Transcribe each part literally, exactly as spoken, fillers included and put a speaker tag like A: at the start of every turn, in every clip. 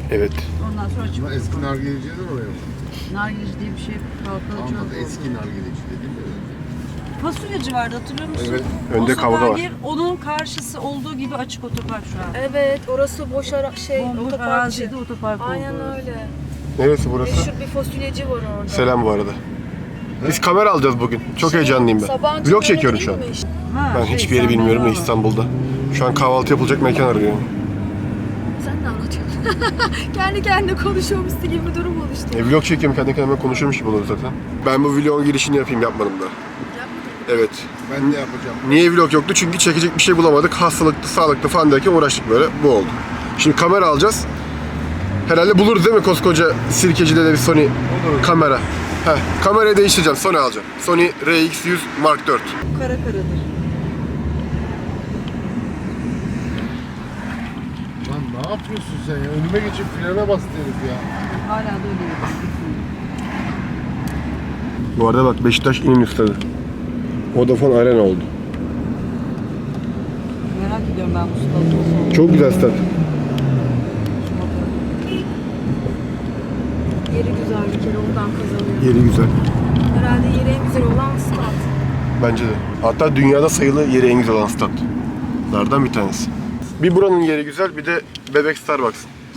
A: Evet.
B: Ondan sonra açık
C: Ama eski nargileciler oraya mı?
B: nargileci diye bir şey kalkalı çok
C: Almadı, eski nargileci dediğim de.
B: Fasulyacı vardı, hatırlıyor musun?
C: Evet.
A: Önde
B: O
A: kavga var.
B: bir, onun karşısı olduğu gibi açık otopark şu an.
D: Evet, orası boş ara şey
B: Bomboş
D: otoparkçı.
B: arazide otopark
D: Aynen
B: oldu.
D: öyle.
A: Neresi burası?
D: Meşhur bir fasulyeci var orada.
A: Selam bu arada. Biz kamera alacağız bugün. Çok heyecanlıyım ben.
D: Sabancı
A: Vlog
D: böyle
A: çekiyorum şu an.
D: değil mi?
B: Ha,
A: Ben
B: şey,
A: hiçbir yeri
B: sen
A: bilmiyorum da
B: bana bak.
A: İstanbul'da. Şu an kahvaltı yapılacak mekan arıyorum.
D: Sen de anlatıyorsun. Kendi kendine konuşuyormuşsun gibi bir durum oluştu.
A: E, vlog çekiyorum, kendi kendime konuşuyormuş gibi olur zaten. Ben bu vlogun girişini yapayım, yapmadım da. Evet.
C: Ben de yapacağım.
A: Niye vlog yoktu? Çünkü çekecek bir şey bulamadık. Hastalıklı, sağlıklı falan derken uğraştık böyle. Bu oldu. Şimdi kamera alacağız. Herhalde buluruz değil mi koskoca Sirkeci'de de bir Sony kamera. Heh, kamerayı değiştireceğim. Sony alacağım. Sony R X yüz Mark dört.
B: Kara karadır.
C: Lan ne yapıyorsun sen ya? Önüme geçip frene bastı herif ya.
B: Hala da öyle yapıyor.
A: Bu arada bak Beşiktaş İnönü Stadı. Vodafone Arena oldu.
B: Merak ediyorum ben bu stadyumu.
A: Çok güzel stat.
D: Yeri güzel bir kere oradan kazanıyor.
A: Yeri güzel.
D: Herhalde yeri en güzel olan stat.
A: Bence de. Hatta dünyada sayılı yeri en güzel olan statlardan bir tanesi. Bir buranın yeri güzel, bir de bebek Starbucks.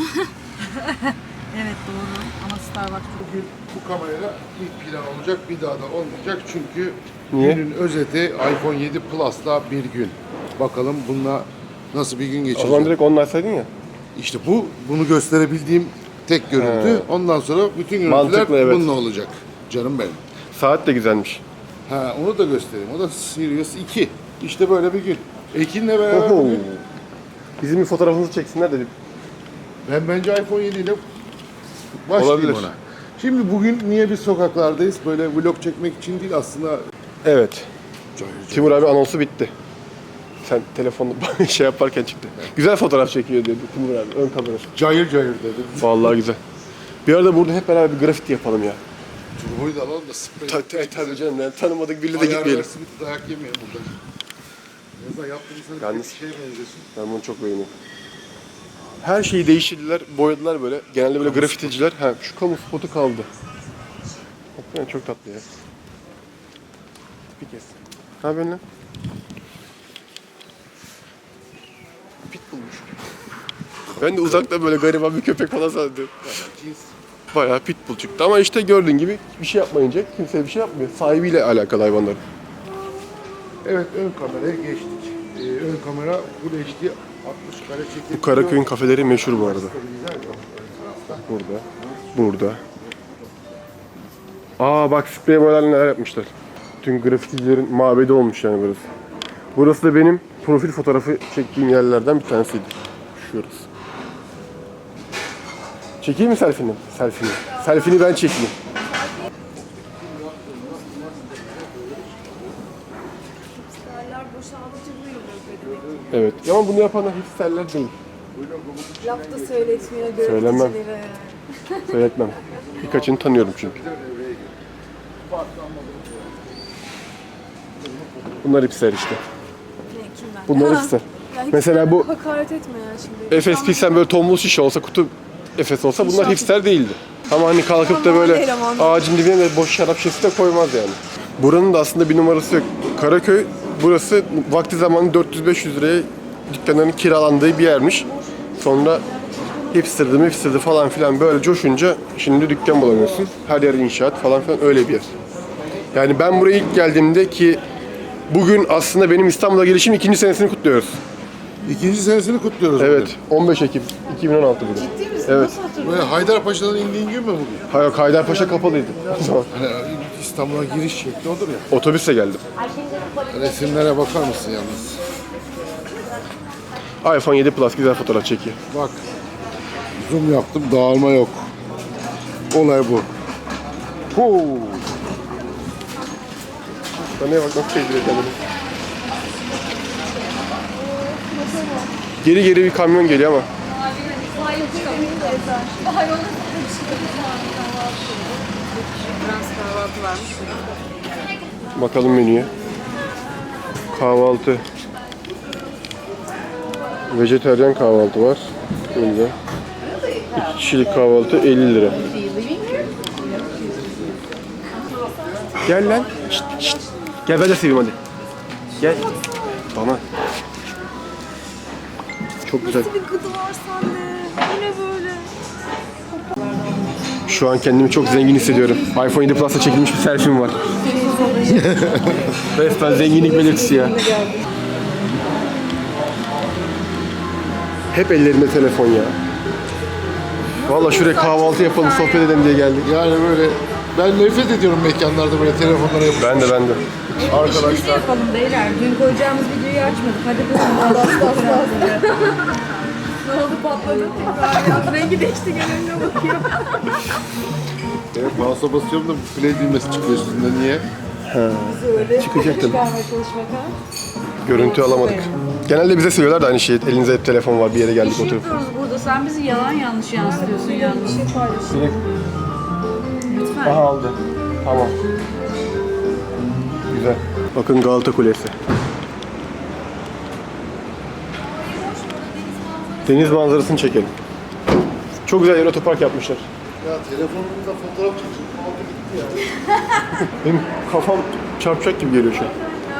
B: Evet doğru ama Starbucks
C: Bugün bu kamerayla ilk plan olacak, bir daha da olmayacak çünkü
A: Niye?
C: günün özeti iPhone yedi Plus'la bir gün. Bakalım bununla nasıl bir gün
A: O
C: geçecek.
A: zaman direkt onu açsaydın ya.
C: İşte bu, bunu gösterebildiğim tek görüntü.
A: He.
C: Ondan sonra bütün görüntüler
A: Mantıklı, evet.
C: bununla olacak. Canım benim.
A: Saat de güzelmiş.
C: Ha, onu da göstereyim. O da Sirius iki. İşte böyle bir gün. Ekin'le beraber
A: Oho.
C: bugün.
A: Bizim bir fotoğrafımızı çeksinler dedim.
C: Ben bence iPhone yedi ile başlayayım
A: Olabilir.
C: ona. Şimdi bugün niye biz sokaklardayız? Böyle vlog çekmek için değil aslında.
A: Evet.
C: Cayır cayır.
A: Timur abi anonsu bitti. Sen telefonla şey yaparken çıktı. Güzel fotoğraf çekiyor dedi Timur abi. Ön kamerası.
C: Cayır cayır dedi.
A: Vallahi güzel. Bir arada burada hep beraber bir grafiti yapalım ya.
C: Turboyu da alalım da sprey.
A: Ta ta tabii canım yani tanımadık biriyle de gitmeyelim.
C: Ayarlarsı bir dayak yemeyelim burada. En azından yaptığımız sana
A: Yalnız-
C: bir şeye benzesin.
A: Ben bunu çok beğeniyorum. Her şeyi değiştirdiler, boyadılar böyle. Genelde böyle grafiticiler. Ha, şu kamu spotu kaldı. Hakikaten çok tatlı ya. Bir kez. Ne yapıyorsun lan? Pitbullmuş. Ben de uzakta böyle gariban bir köpek falan sandım.
C: Cins.
A: Bayağı pitbull çıktı ama işte gördüğün gibi bir şey yapmayınca kimse bir şey yapmıyor. Sahibiyle alakalı hayvanların.
C: Evet, ön kameraya geçtik. Ee, ön kamera Full H D altmış kare çekim.
A: Bu Karaköy'ün kafeleri meşhur bu arada. Burada. Burada. Aa bak sprey boyalarla neler yapmışlar. Bütün grafiticilerin mabedi olmuş yani burası. Burası da benim profil fotoğrafı çektiğim yerlerden bir tanesiydi. Şurası. Çekeyim mi selfie'ni? Selfie'ni. Selfie'ni ben çekeyim.
D: Sterler boşaldıkça bu yolu ödemek.
A: Evet. Ama bunu yapanlar hipsterler değil.
D: Laf da söyletmiyor
A: Söylemem.
D: görüntücülere.
A: Söyletmem. Birkaçını tanıyorum çünkü. Bunlar hipster işte.
D: Ne, kimden?
A: Bunlar
D: Ha.
A: hipster.
D: Ya hiç
A: Mesela bu
D: hakaret etme ya şimdi.
A: Efes Pilsen böyle tombul şişe olsa, kutu Efes olsa bunlar hipster değildi. Ama hani kalkıp da böyle
D: Eleman.
A: ağacın dibine de boş şarap şişesi de koymaz yani. Buranın da aslında bir numarası yok. Karaköy, burası vakti zamanı dört yüz beş yüz liraya dükkanların kiralandığı bir yermiş. Sonra hipsterdi, hipsterdi falan filan böyle coşunca şimdi dükkan bulamıyorsun. Her yer inşaat falan filan, öyle bir yer. Yani ben buraya ilk geldiğimde ki bugün aslında benim İstanbul'a gelişim ikinci senesini kutluyoruz.
C: İkinci senesini kutluyoruz
A: Evet, on beş Ekim iki bin on altı bugün.
D: Ciddi misin?
A: Evet.
D: Nasıl hatırlıyorsun?
C: Böyle Haydarpaşa'dan indiğin gün mü bugün?
A: Hayır, Haydarpaşa kapalıydı. o zaman.
C: Hani İstanbul'a giriş şekli odur ya.
A: Otobüsle geldim.
C: Resimlere bakar mısın yalnız?
A: iPhone yedi Plus güzel fotoğraf çekiyor.
C: Bak. Zoom yaptım, dağılma yok. Olay bu.
A: Huu. Neye bak, nasıl çektiriyor kendini. Geri geri bir kamyon geliyor ama.
B: Frans kahvaltı varmış.
A: Bakalım menüye. Kahvaltı. Vejetaryen kahvaltı var. Önce. İki kişilik kahvaltı elli lira. Gel lan. Şşt, şşt. Gel ben de seveyim hadi. Gel. Bana. Çok güzel.
D: Bir gıdı var sende. Bu ne böyle?
A: Şu an kendimi çok zengin hissediyorum. iPhone yedi Plus'ta çekilmiş bir selfie'm var. Resmen zenginlik belirtisi ya. Hep ellerinde telefon ya. Vallahi şuraya kahvaltı yapalım, sohbet edelim diye geldik.
C: Yani böyle ben nefret ediyorum mekanlarda böyle telefonlara yapıp.
A: Ben de ben de.
B: İşimizi
C: Arkadaşlar
B: yapalım beyler. Dün koyacağımız videoyu açmadık. Hadi buyurun. Bas bas bas.
D: Ne oldu patladı tekrar ya. Rengi değişti gene bakıyor.
C: evet, mouse'a basıyorum da play düğmesi çıkıyor üstünde. Niye?
A: Çıkacak tabii.
B: Çıkarmaya çalışmak ha.
A: Görüntü alamadık. Genelde bize söylüyorlar da aynı şeyi. Elinizde hep telefon var, bir yere
B: Bir
A: geldik
B: şey
A: oturup.
B: yapıyoruz burada. Sen bizi yalan yanlış yansıtıyorsun yanlış. Lütfen.
A: Aha aldı. Tamam. Güzel. Bakın Galata Kulesi. Deniz manzarasını çekelim. Çok güzel yer otopark yapmışlar.
C: Ya telefonumda fotoğraf çekeceğim. Altı gitti ya.
A: Benim kafam çarpacak gibi geliyor şu an.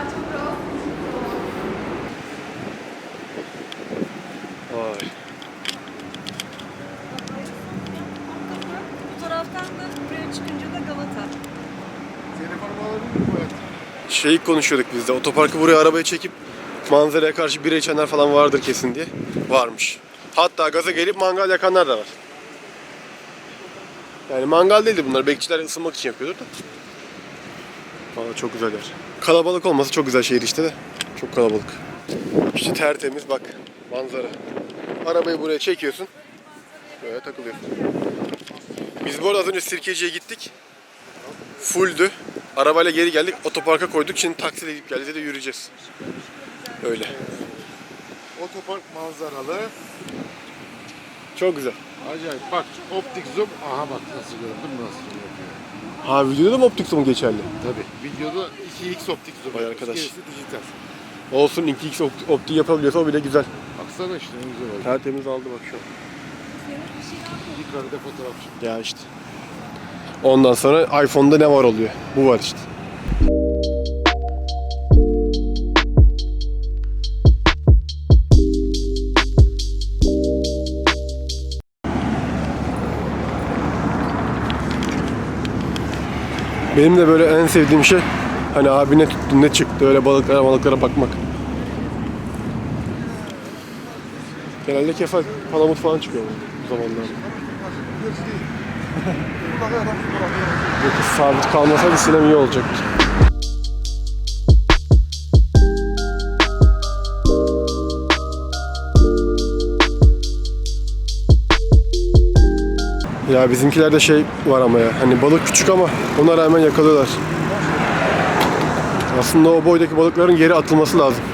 A: Vay.
D: Bu taraftan da buraya çıkınca da Galata.
C: Telefonumu alabilir miyim bu hayatım?
A: Şeyi konuşuyorduk biz de. Otoparkı buraya arabaya çekip manzaraya karşı bira içenler falan vardır kesin diye. Varmış. Hatta gaza gelip mangal yakanlar da var. Yani mangal değildi bunlar. Bekçiler ısınmak için yapıyordur da. Valla çok güzel yer. Kalabalık olması çok güzel şehir işte de. Çok kalabalık. İşte tertemiz bak. Manzara. Arabayı buraya çekiyorsun. Böyle takılıyorsun. Biz bu arada az önce Sirkeci'ye gittik. Fulldü. Arabayla geri geldik. Otoparka koyduk. Şimdi taksiyle gidip geleceğiz de yürüyeceğiz. Öyle.
C: Otopark manzaralı.
A: Çok güzel.
C: Acayip. Bak optik zoom. Aha bak nasıl gördün mü nasıl yapıyor.
A: Ha videoda da mı optik zoom geçerli?
C: Tabii. Videoda iki x optik zoom.
A: Vay arkadaş.
C: Gerisi dijital.
A: Olsun iki x opt- optik yapabiliyorsa o bile güzel.
C: Baksana işte ne güzel oldu.
A: Tertemiz aldı bak şu an.
C: Bir karede fotoğraf çıktı.
A: Ya işte. Ondan sonra iPhone'da ne var oluyor? Bu var işte. Benim de böyle en sevdiğim şey hani abi ne tuttu ne çıktı öyle balıklara balıklara bakmak. Genelde kefal, palamut falan çıkıyor bu zamanlarda. Bu kız sabit kalmasaydı sinem iyi olacaktı. Ya bizimkilerde şey var ama ya hani balık küçük ama ona rağmen yakalıyorlar. Aslında o boydaki balıkların geri atılması lazım.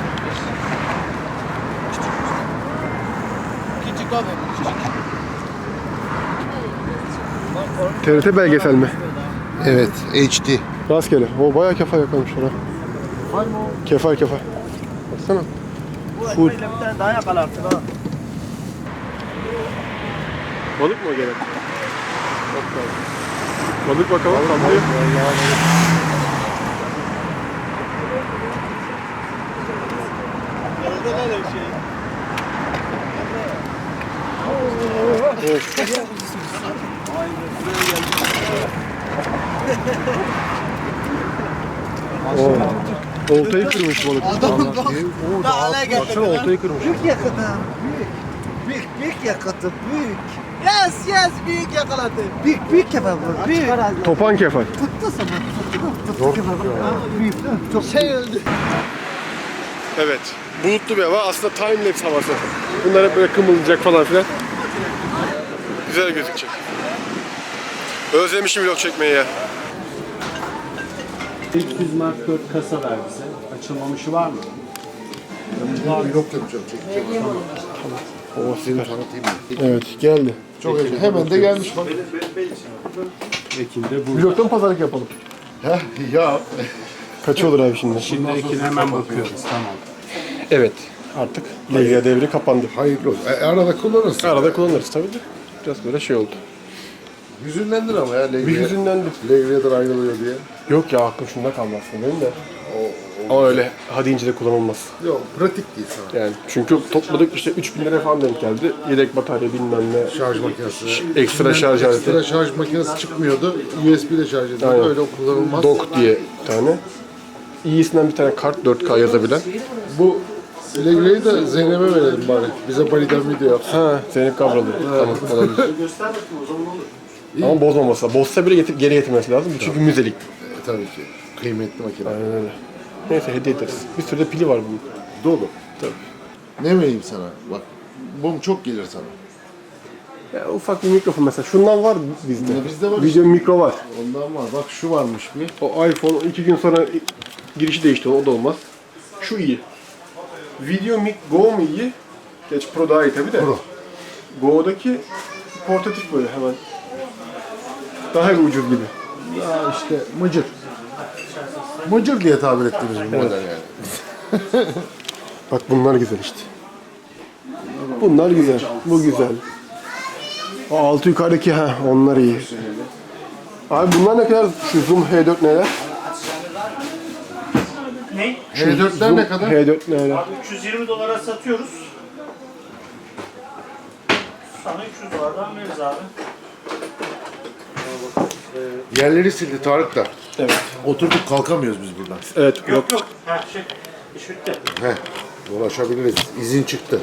A: T R T belgesel mi?
C: Evet. H D.
A: Rastgele. O bayağı kefal yakalamışlar ha. Kefal kefal. Baksana. Full.
E: Bir tane daha yakalarsın ha.
A: Balık mı o gene? Bak bakalım. Balık bakalım. Sallıyor.
E: Orada ne bir şey?
A: Oo. Oltayı kırmış balık.
E: Adamın bak.
A: Oo,
E: Daha ne
A: baksana
E: getirdi
A: oltayı kırmış.
E: Büyük yakaladı. Büyük. Büyük büyük yakaladı. Büyük. Yes yes büyük yakaladı. Büyük büyük yakaladı. Büyük.
A: Topan kefal.
E: Tuttu sana. Tuttu. Tuttu. Büyük. Çok şey öldü.
A: Evet. Bulutlu bir hava. Aslında time lapse havası. Bunlar hep böyle kımıldayacak falan filan. Güzel gözükecek. Özlemişim vlog çekmeyi ya.
F: İlk yüz mark dört kasa ver bize. Açılmamışı var mı?
C: Vlog yapacağım. Çekeceğim.
A: Oh,
C: Seni tanıtayım mı?
A: evet geldi.
C: Çok heyecanlı. Hemen de gelmiş bak.
F: Ekim'de bu.
A: Vlog'tan pazarlık yapalım.
C: Heh, ya.
A: Kaçı olur abi şimdi?
F: Şimdi Ekim hemen bakıyoruz. Tamam.
A: Evet. Artık Leyla devri kapandı.
C: Hayırlı olsun. E, arada kullanırsın.
A: Arada kullanırız tabii de. biraz böyle şey oldu.
C: Hüzünlendin ama ya Legriye.
A: Bir hüzünlendim.
C: Legriye'den ayrılıyor diye.
A: Yok ya aklım şunda kalmaz benim de. Ama öyle ha deyince de kullanılmaz.
C: Yok pratik değil sana.
A: Yani çünkü topladık işte üç bin lira falan denk geldi. Yedek batarya bilmem ne.
C: Şarj makinesi.
A: Ekstra şarj aleti.
C: Ekstra şarj makinesi çıkmıyordu. U S B ile şarj ediyordu.
A: Aynen.
C: Öyle kullanılmaz.
A: Dock diye bir tane. İyisinden bir tane kart dört K yazabilen.
C: Bu Legriye'yi de Zeynep'e verelim bari. Bize Bali'den video yapsın.
A: Ha, Zeynep Kavralı. Tamam, olabilir.
F: Göster bakayım o zaman olur.
A: Ama bozmaması. Bozsa bile getir, geri getirmesi lazım. Bu çünkü müzelik.
C: E, tabii ki. Kıymetli makine.
A: Aynen öyle. Neyse hediye ederiz. Bir sürü de pili var bunun.
C: Dolu.
A: Tabii.
C: Ne vereyim sana? Bak. Bu çok gelir sana.
A: Ya, ufak bir mikrofon mesela. Şundan var bizde.
C: Ne bizde var
A: Video mikro var.
C: Ondan var. Bak şu varmış bir.
A: O iPhone iki gün sonra girişi değişti. O da olmaz. Şu iyi. Video mic Go mu iyi? Geç Pro daha iyi tabii de.
C: Pro.
A: Go'daki portatif böyle hemen. Daha ucuz gibi.
C: Ya işte mıcır. Mıcır diye tabir ettiğimiz bir model yani.
A: Bak bunlar güzel işte. Bunlar güzel. Bu güzel. O altı yukarıdaki ha onlar iyi. Abi bunlar ne kadar? Şu Zoom H dört neler?
F: Ne?
C: H dörtler
A: Zoom
C: ne kadar?
A: H dört neler?
F: Abi üç yüz yirmi dolara satıyoruz. Sana üç yüz dolardan veririz abi.
C: Yerleri sildi Tarık da.
A: Evet.
C: Oturduk kalkamıyoruz biz buradan.
A: Evet yok.
F: Yok yok. Ha şey. İş bitti.
C: Heh. Dolaşabiliriz. İzin çıktı.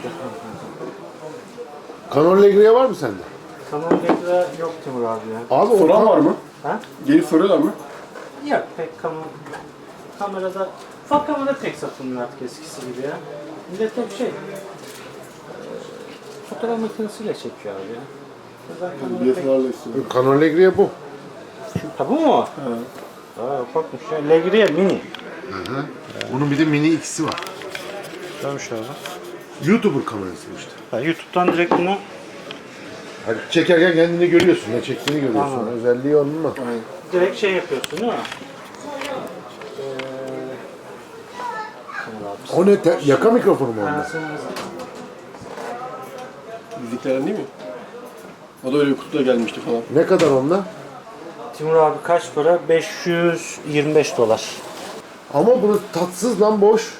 C: Canon Legriye var mı sende?
F: Tamam bekle yok Timur abi ya.
C: Abi
A: Soran
C: o
A: var mı?
F: Ha?
A: Gelip soruyorlar mı?
F: Yok pek kamera. Kamerada ufak kamera pek satılmıyor artık eskisi gibi ya. Millet hep şey. eee, Fotoğraf makinesiyle çekiyor abi ya. Özel kamera pek-
A: istiyorum.
C: Canon Legriye bu.
F: Ha bu mu? Evet. Aa ufakmış ya. Legriye mini.
C: Bunun bir de mini ikisi var.
F: Güzelmiş abi.
C: YouTuber kamerası işte.
F: Ha, YouTube'dan direkt bunu
C: Hani çekerken kendini görüyorsun, ne çektiğini görüyorsun.
F: Tamam.
C: Özelliği onun mu?
F: direkt şey yapıyorsun değil mi? Ee,
C: O ne? Te- yaka mikrofonu mu onda?
A: Bizliklerden değil mi? O da öyle bir kutuda gelmişti falan.
C: Ne kadar onda?
F: Timur abi kaç para? beş yüz yirmi beş dolar.
C: Ama bunu tatsız lan boş.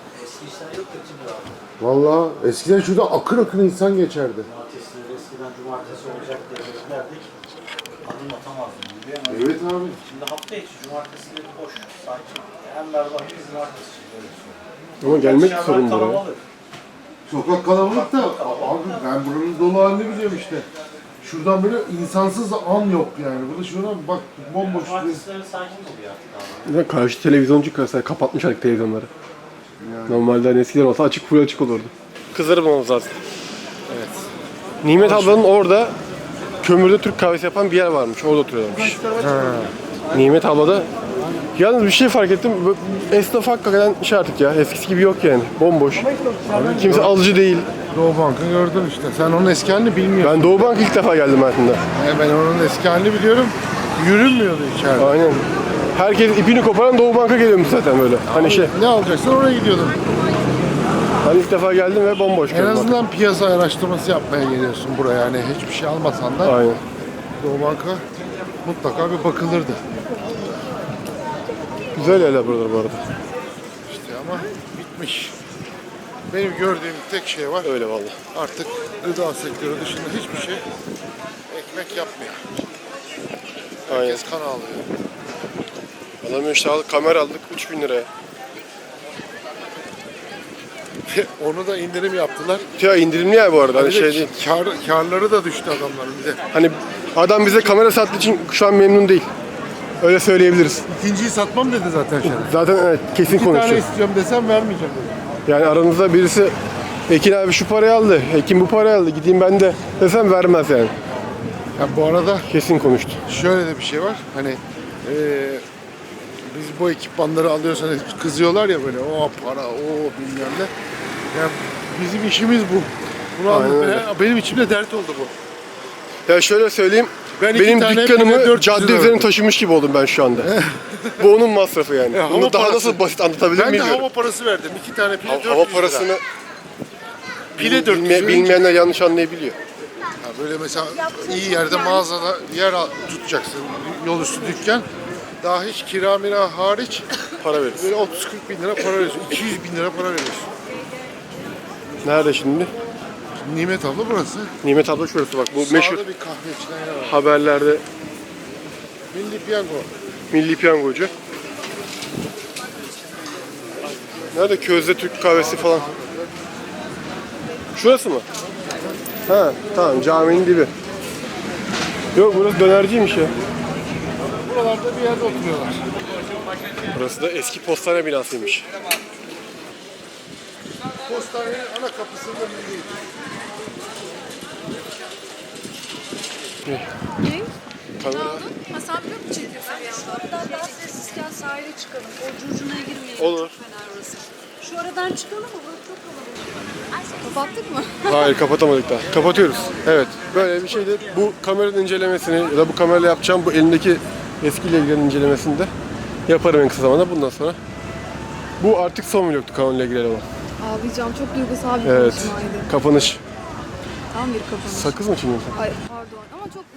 C: Vallahi eskiden şurada akın akın insan geçerdi.
F: Eskiden cumartesi olacak diye beklerdik. Adım atamazdım.
C: Evet abi.
F: Şimdi hafta içi cumartesileri boş. Sanki hem berbat bir cumartesi.
A: Ama gelmek
F: Perşembe
A: sorun buraya.
F: kalabalık.
C: Sokak kalabalık da abi ben buranın dolu halini biliyorum işte. Şuradan böyle insansız an yok yani. Burada şuna bak bomboş.
F: Cumartesileri sakin oluyor artık abi.
A: Bir de karşı televizyoncu mesela kapatmış artık televizyonları. Normalde hani eskiden olsa açık full açık olurdu. Kızları bulmamız lazım. Evet. Nimet ablanın orada kömürde Türk kahvesi yapan bir yer varmış. Orada oturuyorlarmış. Nimet abla da yalnız bir şey fark ettim. bu Esnaf hakikaten şey artık ya. Eskisi gibi yok yani. Bomboş. Kimse alıcı değil.
C: Doğu Bank'ı gördün işte. Sen onun eski halini bilmiyorsun.
A: Ben Doğu Bank ilk defa geldim hayatımda.
C: Ben, ben onun eski halini biliyorum. Yürünmüyordu içeride.
A: Aynen. Herkes ipini koparan Doğu Bank'a geliyormuş zaten böyle. Hani şey,
C: Ne alacaksın oraya gidiyordun.
A: hani ilk defa geldim ve bomboş
C: En
A: gördüm.
C: azından piyasa araştırması yapmaya geliyorsun buraya. Yani hiçbir şey almasan da
A: Aynen.
C: Doğu Bank'a mutlaka bir bakılırdı.
A: Güzel yerler buralar bu arada.
C: İşte ama bitmiş. Benim gördüğüm tek şey var.
A: Öyle vallahi.
C: Artık gıda sektörü dışında hiçbir şey ekmek yapmıyor.
A: Aynen.
C: Herkes kan ağlıyor.
A: Adam işte aldık, kamera aldık üç bin liraya.
C: Onu da indirim yaptılar.
A: Ya indirimli ya bu arada hani
C: Bir de
A: şey değil.
C: Kar, karları da düştü adamların bir de.
A: Hani adam bize kamera sattığı için şu an memnun değil. Öyle söyleyebiliriz.
C: İkinciyi satmam dedi zaten Şeref.
A: Zaten evet, kesin
C: İki tane
A: konuşuyor.
C: istiyorum desem vermeyeceğim dedi.
A: Yani aranızda birisi Ekin abi şu parayı aldı, Ekin bu parayı aldı, gideyim ben de desem vermez yani.
C: Ya bu arada
A: Kesin konuştu.
C: şöyle de bir şey var. Hani eee, biz bu ekipmanları alıyoruz hani kızıyorlar ya böyle o para o bilmem ne. Yani bizim işimiz bu. Bunu
A: Aynen
C: anlatmaya,
A: öyle.
C: benim içimde dert oldu bu.
A: Ya şöyle söyleyeyim,
C: Ben iki
A: benim
C: tane pile
A: dükkanımı
C: dört yüz
A: cadde
C: lira
A: üzerine
C: verdim.
A: taşımış gibi oldum ben şu anda. Bu onun masrafı yani.
C: E, hava
A: Bunu daha
C: parası.
A: nasıl basit anlatabilirim
C: Ben de
A: bilmiyorum.
C: hava parası verdim. İki tane pile
A: Hava,
C: dört yüz
A: hava
C: lira.
A: parasını
C: Pile dört yüz
A: bilme-
C: lira.
A: bilmeyenler yanlış anlayabiliyor.
C: Ha böyle mesela iyi yerde mağazada yer al- tutacaksın. Yol üstü dükkan. Daha hiç kira mira hariç
A: Para veririz.
C: böyle otuz kırk bin lira para veriyorsun. iki yüz bin lira para veriyorsun.
A: Nerede şimdi?
C: Nimet abla burası.
A: Nimet abla şurası bak. Bu
C: Sağda
A: meşhur
C: bir kahve içilen yer var.
A: haberlerde
C: Milli Piyango.
A: milli piyangocu. Nerede közde Türk kahvesi falan? Şurası mı? Ha tamam caminin dibi. Yok burası dönerciymiş ya.
C: Buralarda bir yerde oturuyorlar.
A: Burası da eski postane binasıymış.
C: Postanenin ana kapısının önündeyiz.
D: Ne?
A: Kamera.
D: Ha sen biliyor musun çekiyorsun bir anda? Aradan daha sessizken sahile çıkalım. O curcunaya girmeyelim.
A: Olur.
D: Çok fena orası. Şu aradan çıkalım mı? Burası çok kalabalık. Kapattık mı?
A: Hayır kapatamadık daha. Kapatıyoruz. Evet. Böyle bir şeyde bu kameranın incelemesini ya da bu kamerayla yapacağım bu elimdeki eski Legre'nin incelemesini de yaparım en kısa zamanda bundan sonra. Bu artık son vlogtu Canon Legre olan.
B: Ağlayacağım. Çok duygusal bir
A: Evet.
B: konuşmaydı.
A: Kapanış.
B: Tam bir kapanış.
A: Sakız mı çiğniyorsun?
B: Ay pardon ama çok